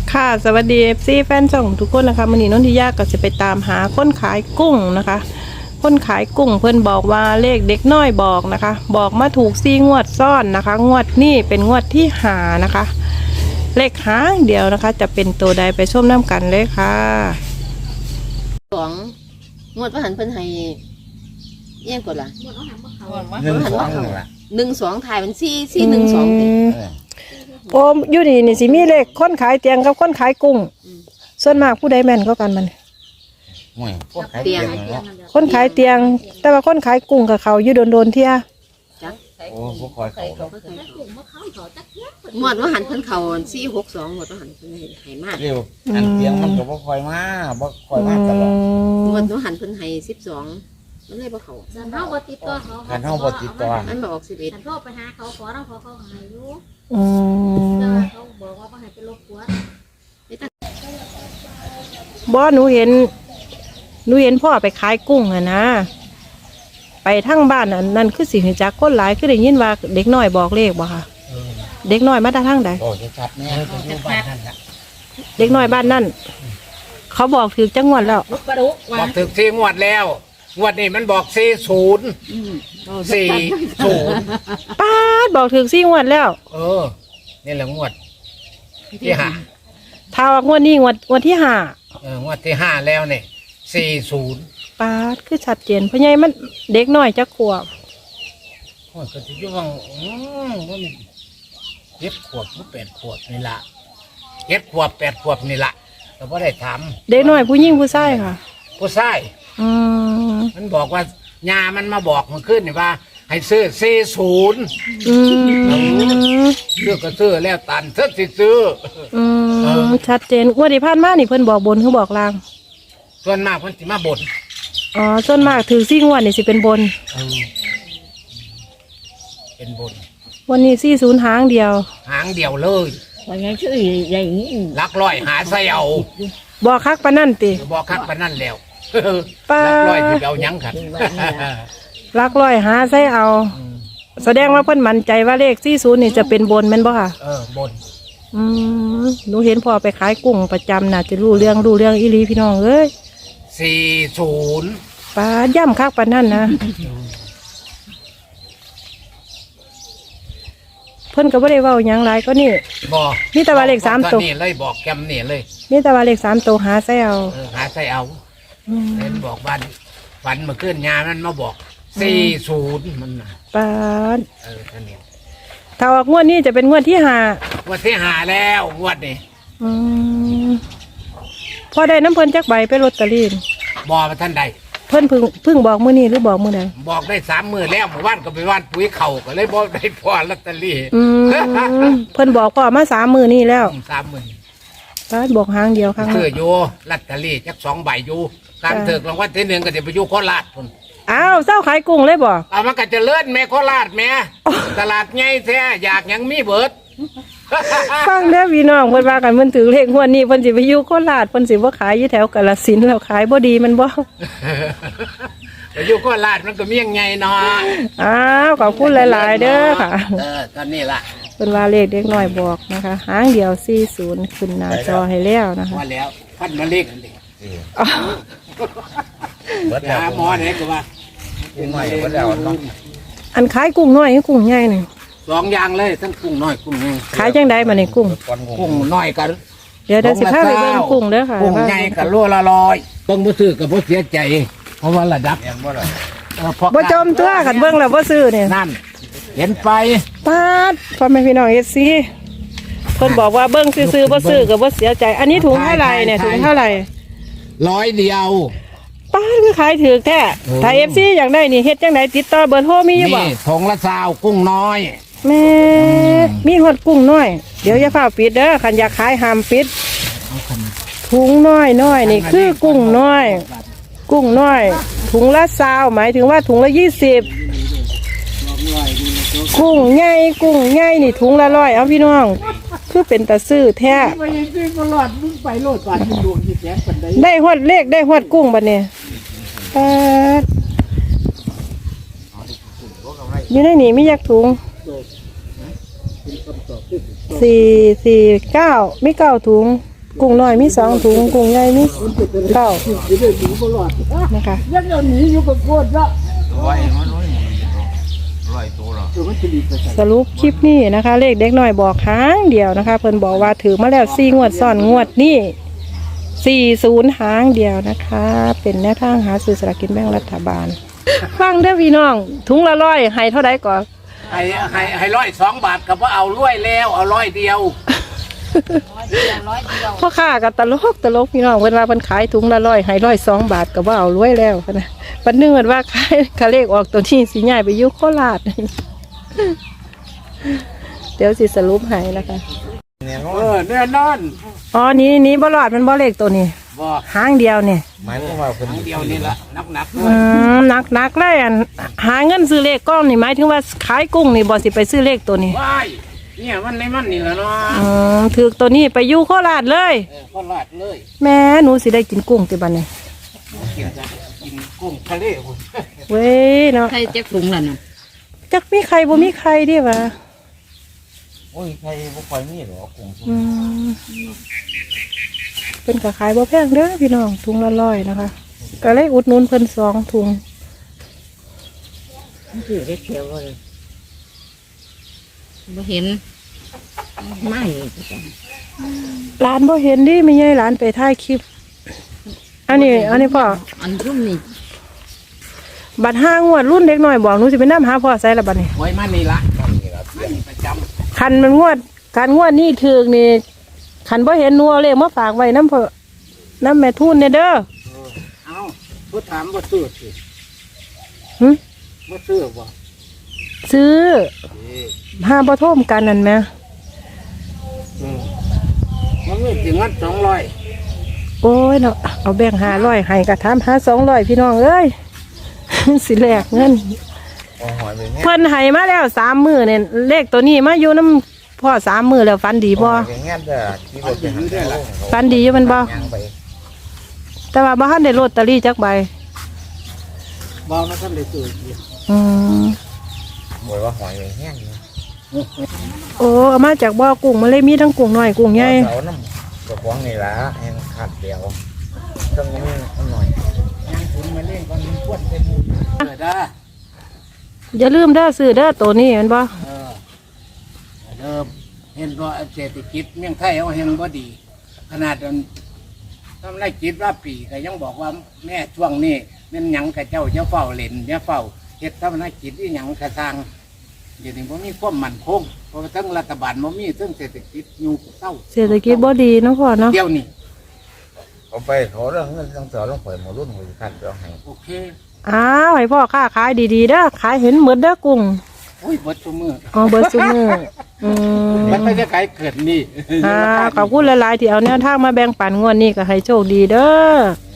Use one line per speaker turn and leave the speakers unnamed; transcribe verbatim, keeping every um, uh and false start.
ค่ะสวัสดี เอฟ ซี แฟนช่องทุกคนนะคะมื้อนี้นนทิยาก็จะไปตามหาคนขายกุ้งนะคะคนขายกุ้งเพิ่นบอกว่าเลขเด็กน้อยบอกนะคะบอกมาถูกซี่งวดซ้อนนะคะงวดนี้เป็นงวดที่หานะคะเลขหางเดียวนะคะจะเป็นตัวใดไปชมน้ำกันเลยค่ะ
สองงวดประหันเพิ่นให้เอี้ยงกดล่ะ
หนึ่งสองหนึ่งละ
หนึ่งสองถ่ายเป็นสี่สี่หนึ่งสองติ
โอ้อยู่นี่นี่สิมีเลขคนขายเตียงกับคนขายกุ้งส่วนมากผู้ใดแม่นก็กันมัน
ห่วยพวกขายเตียงเนาะ
คนขายเตียงแต่ว่าคนขายกุ้งกับเขาอยู่โดนๆเที่ย
จัก
โอ้พวกคอยเขา
งวดประหันเพิ่นเขาสี่หกสองงวดประหันเพิ่นให้มาก
เร็วอันเตียงมันก็บ่คอยมาบ่คอยมาตลอด
งวดประหันเพิ่นให้สิบสองมันเลยบ่เขา
ฉันเฮาบ่ติดต่อเขา
คันเฮาบ่ติดต่อ
มันบอกสิบเอ็ด
ฉันโทรไปหาเขาขอเราขอเขาให้อยู่
อื
แต่
ม
ว่าเขาบอกว่าบ่ให้ไปรบกวน
บ่หนูเห็นหนูเห็นพ่อไปขายกุ้งอะนะไปทั้งบ้านอันนั่นคือสิงจักคนหลายคือได้ยินว่าเด็กน้อยบอกเลขบ่ค่ะเด็กน้อยมาแต่ทางใด
โอ้จะชัดแน่จะอยู่บ้านนั่นละ
เด็กน้อยบ้านนั่นเขาบอกถือจังหวัดแล้ว
บอกถึงสี่งวดแล้วงวดนี้มันบอกสี่ศูนย์สี่ศูนย์
ป้าดบอกถือสี่งวดแล้ว
เออนี่แหละงวดที่ห้า
ถ้าว่างวดนี้งวดงวดที่ห้า
เอองวดที่ห้าแล้วเนี่ยสี่ศูนย์
ป้าดคือชัดเจนเพราะไงมันเด็กน้อยจักขวบ
โอ้ยก็จะยุ่งอืมมันเจ็ดขวบหรือแปดขวบนี่ละเจ็ดขวบแปดขวบนี่ละแต่ว่าได้ถาม
เด็กน้อยผู้หญิงผู้ชายค่ะ
ผู้ชาย
อืม
มันบอกว่ายามันมาบอกมันขึ้นนี่ว่า ให้ซื้อสี่ศูนย์
อืม
ซื้อก็ซื้อแล้วตันเสื้อสิซื้อ
อืมชัดเจนงวดที่ผ่านมานี่เพิ่นบอกบนคือบอกล่าง
ส่วนมากมันสิมาบ่น
อ๋อส่วนมากถือซี่งวดนี่สิเป็นบน
เออเป็นบน
วันนี้ซี่ศูนย์หางเดียว
หางเดียวเลย
ว่าไงชื่อใหญ่นี้
ลักร้อยหาใส่เอา
บอกคักปะนั่นติ
บอกคักปานนั่นแล้ว
ป้า
ลักร้อยที่เอาหยังขัน
ลักลอยหาใส่เอา แสดงว่าเพิ่นมั่นใจว่าเลขซี่ศูนย์นี่จะเป็นบนแม่นบ่ค่ะ
เออบน
อืมหนูเห็นพ่อไปขายกุ้งประจำน่ะจะรู้เรื่องรู้เรื่องอีหลีพี่น้องเอ้ย
สี่ศูนย์
ป้าย่ำคักปะนั่นนะเพิ่นก็บ่ได้เว้าหยังหลายก็นี่
บอก
มีแต่ว่าเลขสามตัว
นี่เลยบอกแกมนี่เลย
มีแต่ว่าเลขสามตัวหาใส่เอา
เออหาใส่เอา
อืม
เห็นบอกบ้านฝันเมาขึ้นยามันมาบอกสี่ศูนย์มันน่ะ
ป้าด
เออท่านนี้
ถ้าออกงวดนี้จะเป็นงวดที่ห้าง
วดที่หาแล้วงวดนี้
อืมพอได้น้ำเพิ่นจักใบไปลอตเตอรี่
บอมาท่านใด
เพิ่นเพึ่งเพึ่งบอกมื้อนี้หรือบอกมื้อใด
บอกได้สามมือแล้วหมู่บ้านก็ไปว่านปุ๋ยเข่าก็เลยบอกได้พอลอตเตอรี่
อืมเพิ่นบอกพ่อมาสามมื้อนี้แล้ว
สามหมื่น
ป้าดบอกหางเดียวครั้ง
เสื้อ
ละ
อยู่ลอตเตอรี่จักสองใบอยู่ตามเถิกรางวัลที่หนึ่งก็จะไปอยู่โคราชพุ่น
อ้าวเจ้าขายกุ้งเลยบ่
เอามันก็จะเลื่อนแม่โคราชแม่ตลาดใหญ่แท้อยากหยังมีเบิด
ฟังเด้อพี่น้องเพิ่นว่ากันเพิ่นถือเลขงวดนี้เพิ่นสิไปอยู่โคราชเพิ่นสิบ่ขายอยู่แถวกาฬสินธุ์แล้วขายบ่ดีมันบ่
ไปอยู่โคราชมันก็เมี่ยงไงเนาะ
อ้าวขอบคุณหลายๆเด้อค่ะ
เออตอนนี้ล่ะ
เพิ่นว่าเลขเด็กน้อยบอกนะคะหางเดียวสี่สิบขึ้นหน้าจอให้แล้วนะคะ
ว่าแล้วพันมาเล็กอันนี้
อ้าว
เบิดแล้ว
หาหมอไหนก็ว่า
กุ้งน้อยเบิดแล้วเนาะ
อันขายกุ้งน้อยกับกุ้งใหญ่นี่
สองอย่างเลยทั้งกุ้งน้อยกุ้งใหญ่
ขายจังได๋บัดนี้กุ้ง
ก้อนกุ้
กุ้
ง
งน้อยกัน
เดี๋ยวเดี๋ยวสิพาไปเบิ่งกุ้งเด้อค่ะ
กุ้งใหญ่กับโลละร้อยต้องบ่ซื้อกับบ่เสียใจ เพราะว่าระดับ
แม่นบ่ล่ะ
เออพ่อ
บ่จมตัวกันเบิ่งแล้วบ่ซื้อเนี่ย
นั่น เห็นไป
ปาดพ่อแม่พี่น้องเอฟซีเพิ่นบอกว่าเบิ่งซื้อๆบ่ซื้อก็บ่เสียใจ อันนี้ถุงเท่าไหร่เนี่ยถุงเท่าไหร่
ร้อยเดียว
ปาดคือขายถูกแท้ถ้า เอฟ ซี อยากได้นี่เฮ็ดจังไดติดต่อเบอร์โทรมีอยู่บ่
นี่ถงละซาวกุ้งน้อย
แม่มีฮอดกุ้งน้อยเดี๋ยวอย่าฟ้าปิดเด้อคันอยากขายห้ามปิดถุงน้อยน้อยนี่คือกุ้งน้อย กุ้งน้อย ถุงละซาวหมายถึงว่าถุงละยี่สิบกุ้งใหญ่กุ้งใหญ่นี่ถุงละร้อยเอาพี่น้องคือเป็นตาซื้อแท้ได้ฮอดเลขได้ฮอดกุ้งบัดนี้ปาดอยู่ในนี่มียักถุงสี่สี่เก้ามีเก้าถุงกุ้งน้อยมีสองถุงกุ้งใหญ่มีเก้านะคะ
ยังเดี๋ยวนี้อยู่กับโคตรละ
ร้อยมันร้อยหมื่นร้อยตัวหรอ
เดี๋ยวมันจะดีไปใส่
สรุปคลิปนี้นะคะ เลขเด็กน้อยบอกหางเดียวนะคะ เพิ่นบอกว่าถือมาแล้วสี่งวดซ้อนงวดนี่สี่ศูนย์หางเดียวนะคะ เป็นแนวทางหาซื้อสลากกินแบ่งรัฐบาล ฟังเด้อพี่น้องถุงละร้อยให้เท่าไดก่อน
ให้ให้ให้ร้อยสองบาทกับว่าเอาร้อยแล้วเอาร้อยเดียว
พ่อค้ากับตลกตลกพี่น้องเพิ่นว่าเพิ่นขายถุงละร้อยให้ร้อยสองบาทก็ว่าเอารวยแล้วนะปันนึงว่าขายคาเลขออกตัวที่สิย้ายไปอยู่โคราช เดี๋ยวสิสรุปให้นะคะ
เนี่ย
เออแน่นอน
อ๋อนี่นี่บ่รอดมันบ่เลขตัวนี้
บ่
หางเดียวนี่
หมายความว่าคน
ครั้งเดียวนี่ละนักหนักๆเล
อื
ย
มหนักหนักเลยอันหาเงินซื้อเลขก้อนนี่หมายถึงว่าขายกุ้งนี่บ่สิไปซื้อเลขตัวนี้
ว้ายเนี่ยมันในมันนี่แหละเนาะ
อืมถือตัวนี้ไปอยู่โคราชเลย
เออก็ลาดเลย
แม่หนูสิได้กินกุ้งติบัดนี้
กินจ้ะกินกุ้งทะเลคุณ
เว้ยเนาะ
ใครจะถุงล่ะน่ะ
จักมีใครบ่มีใครดิวะ
โอ้ยใครบ่ค่อยมีหรอกกุ้ง
อืมเป็นกระขายบ่แพงเด้อพี่น้องถุงละร้อยนะคะ ก็เลยอุดหนุนเพิ่นสองถุง
ถือได้เขียวเลยบ่เห็นไม่
ร้านบ่เห็นดิไม่ใช่ร้านไปถ่ายคลิป อันนี้ อันนี้พ่อ
อันรุ่มนี่
บัตรห้างวดรุ่นเด็กหน่อยบอกหนูสิไปนำหาพ่อใส่ละบัดนี้
ไว้มันนี่ละ
มันนี่ละ
มันนี่ประจ
คันมันงวดคันงวดนี่ถึกนี่คันบ่เห็นหนูเอาเลขมาฝากไว้น้ำพ่อน้ำแม่ทุนเนี่ยเด้อ
ำเอาผู้ถามว่าซื้อสิ
หึ
ว่าซื้อบ่
ซื้อ
เอ้ย
ห้าบ่โทมกันนั่นแหม
อืมมันมีถึงงั้นสองร้อย
โอ้ยเนาะเอาแบ่งห้าร้อยให้กะถามหาสองร้อยพี่น้องเอ้ย สิแลกเงิน
พอหอยไปแง่
เพิ่นให้มาแล้วสามมือเนี่ยเลขตัวนี้มาอยู่น้ำพ่อสามมือแล้วฟันดีบ่
ไปแง่เด้อที่เราจะหันได้ละ
ฟันดีอยู่มันบ่
ย่างไป
แต่ว่าบ้านได้ลอตเตอรี่จักใบ
บ่มาทำได้ซื้ออีก
อืม
บ่ว่าหอยไปแง่นี่
โอ้เอามาจากบ่อกุ้งมาเลยมีทั้งกุ้งน้อยกุ้งใหญ่
เอาน้ำกระป๋องนี่ละแห้งขาดเดียวต้องมีอันหน่อย
ย่างถุนมาเล่นก่อนมันพวดไปหมดเออได้
อย่าลืมเด้อซื้อเด้อตัวนี้แมันบ่
เออเดิมเห็นว่าเศรษฐกิจเมืองไทยเอาเฮงบ่ดี ขนาดนั้นทำไรจิตว่าปีก็ยังบอกว่าแม่ช่วงนี้แม่นหยังกับเจ้าจะเฝ้าเล่นจะเฝ้าเฮ็ดทำไรจิตที่หยังกระซังเดี๋ยวนี้บ่มีความมั่นคงเพราะว่าทั้งรัฐบาลบ่มีทั้งเศรษฐกิจอยู่เศร้า
เศรษฐกิจบ่ดีเนาะพ่อเนาะ
เดี๋ยวนี้
เอาไปเขาเรื่องเงินต้องสอนต้องปล่อยหมอรุ่นหัวขัดเอาให้
โอเค
อ้าวให้พ่อค้าขายดีๆเด้อขายเห็นหมดเด้อกุ้ง
โอ้ยเบิดซุมือ
อ๋อเบิดซุมื้ออืม
มันไม่ใช่ขายเกิดนี่
อ่าขอบคุณหลายๆที่เอาแนวทางมาแบ่งปันงวดนี้ก็ให้โชคดีเด้อ